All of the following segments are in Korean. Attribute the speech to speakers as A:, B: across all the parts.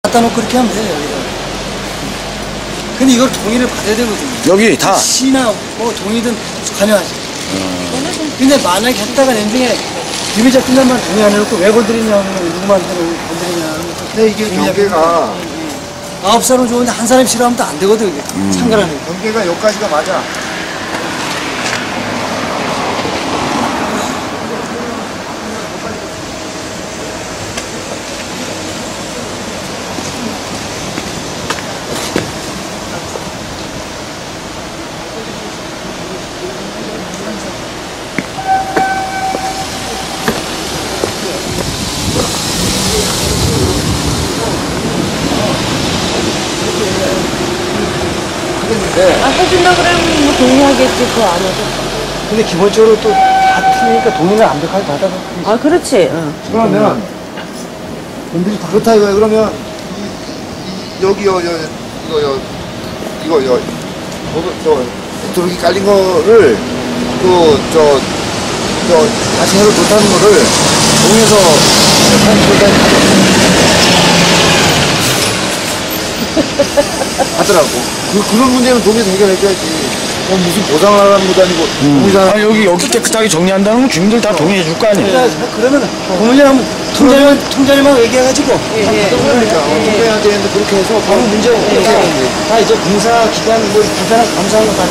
A: 갖다 놓고 그렇게 하면 돼요, 여기다. 근데 이걸 동의를 받아야 되거든요.
B: 여기 다?
A: 시나 뭐 동의든 관여하지. 근데 만약에 했다가 나중에 유비자 끝난 말 동의 안 해놓고 왜 건드리냐면 누구 말대로 건드리냐.
C: 근데 이게 경계가
A: 9살은 좋은데 한 사람이 싫어하면 또 안 되거든, 이게. 상관하는 거.
C: 경계가 여기까지가 맞아.
D: 해준다 그러면 뭐 동의하겠지, 그거 안 해도.
A: 근데 기본적으로 또 다 틀리니까 동의를 완벽하게 받아서.
D: 아, 그렇지. 응.
C: 그러면 그렇다 이거야. 그러면 여기요, 이거 도둑이 깔린 거를 다시 해도 못하는 거를 동에서 하더라고. 그런 문제는 동에서 해결해줘야지. 무슨 보상을 하라는 것도 아니고
B: 아, 여기 깨끗하게 정리한다는 건 주민들 다 동의해 줄 거 아니에요?
A: 그러면 고문이랑 통장님하고 얘기해가지고.
C: 그러니까 해야 되는데 그렇게 해서 바로 문제 없게
A: 다 이제 공사 기간 뭐 불편한 감사하는 거다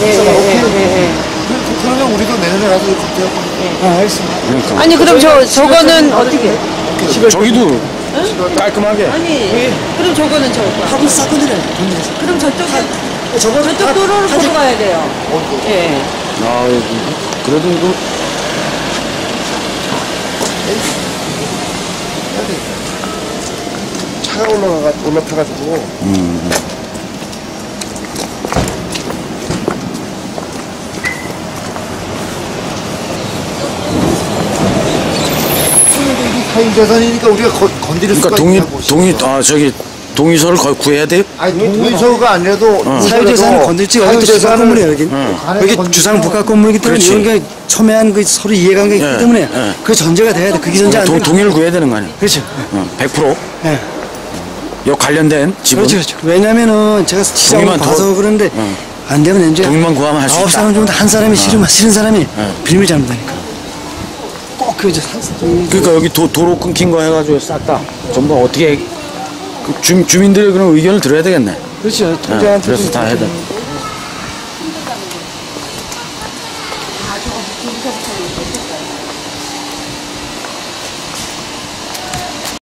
C: 그러면 우리도 내년에 가서 검토하고.
A: 알겠습니다.
B: 그러니까.
D: 아니, 그럼 저거는 어떻게?
B: 저기도 깔끔하게.
D: 아니, 그럼 저거는 저거.
A: 하고 쌌거든요. 돈내서.
D: 그럼 저쪽
A: 저거
D: 도로를 보고 가야 돼요. 예.
B: 아, 그래도 이거.
C: 차가 올라타가지고. 타인 재산이니까 우리가 건드릴 수가 있냐고.
B: 동의서를 구해야 돼요?
C: 아니 동의서가 아니라도
A: 사유재산을 건들지 여기 주상 건물이에요, 여기. 여기
C: 건드리고.
A: 주상 복합 건물이기 때문에
B: 그렇지.
A: 이런 게 첨예한 그 서로 이해관계가 있기
B: 예,
A: 때문에
B: 예.
A: 그 전제가 돼야 돼. 그게 전제 안 되면
B: 동의를 구해야 되는 거 아니에요?
A: 그렇죠.
B: 100%?
A: 예.
B: 요 관련된 지분?
A: 그렇죠. 왜냐면은 제가 시장을
B: 동의만
A: 봐서 그런데 안 되면 이제
B: 동의만 구하면 할 수 있다.
A: 9사람 정도 한 사람이 싫은 사람이 빌미를 잘못하니까. 꼭 그 이제
B: 그러니까 여기 도로 끊긴 거 해가지고 싹 다 전부 어떻게 주민들의 그런 의견을 들어야 되겠네.
A: 그렇죠.
B: 예,
A: 통장한테
B: 그래서 다 해야 돼.